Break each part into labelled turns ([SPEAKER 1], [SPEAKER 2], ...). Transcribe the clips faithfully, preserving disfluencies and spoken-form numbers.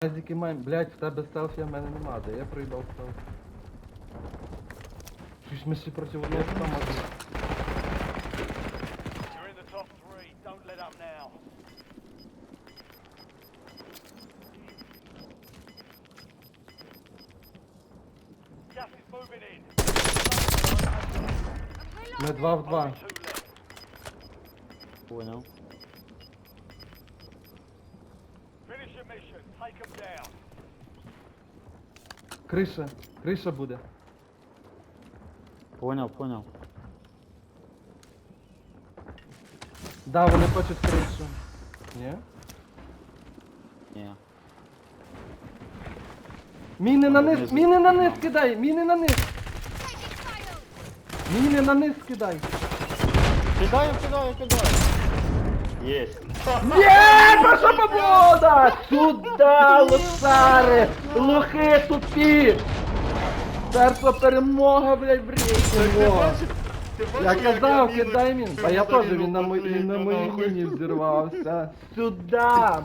[SPEAKER 1] Азіки маємо, блять, в тебе селфі, а в мене нема, де я проїбав селфі. Щось ми всі проти одного там можемо.
[SPEAKER 2] You're in the top three. Don't let up now. Gas is moving in.
[SPEAKER 1] Ми два в два.
[SPEAKER 2] Only two left.
[SPEAKER 3] Понял.
[SPEAKER 2] Finish your mission. Take them down.
[SPEAKER 1] Криша, криша буде.
[SPEAKER 3] Понял, понял.
[SPEAKER 1] Да, вони хочуть кришу. Ні?
[SPEAKER 3] Не.
[SPEAKER 1] Міни на низ,
[SPEAKER 3] Внизу.
[SPEAKER 1] міни на низ кидай, міни на низ. Міни на низ кидай.
[SPEAKER 3] Кидаю, кидаю, кидаю. Есть.
[SPEAKER 1] Є, наша побода! Сюда, лошари! Лохи тупі! Перша перемога, блядь, в рейтингу! Я казав, кидай мін. А я теж, він на моїй він на моїй міні взірвався. Сюда!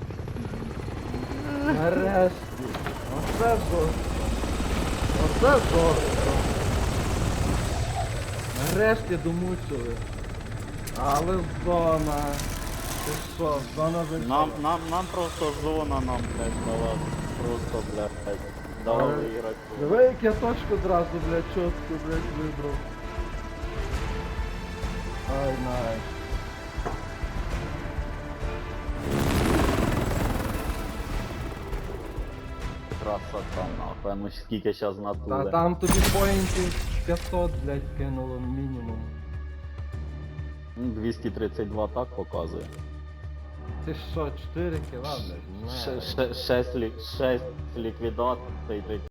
[SPEAKER 1] Нарешті. Оце жорстко. Оце жорстко. Нарешті домучили. Але зона. Ти що, зона зайшла?
[SPEAKER 3] Нам, нам, нам просто зона нам, блядь, дала. Просто, блядь, дала
[SPEAKER 1] Але-
[SPEAKER 3] выиграть.
[SPEAKER 1] Диви, як я точку одразу, блядь, чітко, блядь, вибрав. Ай, най.
[SPEAKER 3] Красота, нахуй. А ну скільки щас
[SPEAKER 1] Та
[SPEAKER 3] натури.
[SPEAKER 1] там тобі поінтів п'ятсот, блядь, кинуло мінімум.
[SPEAKER 3] Ну, двісті тридцять два так показує.
[SPEAKER 1] Ти що, чотири кіла, блядь? Не.
[SPEAKER 3] Шесть ліквідацій,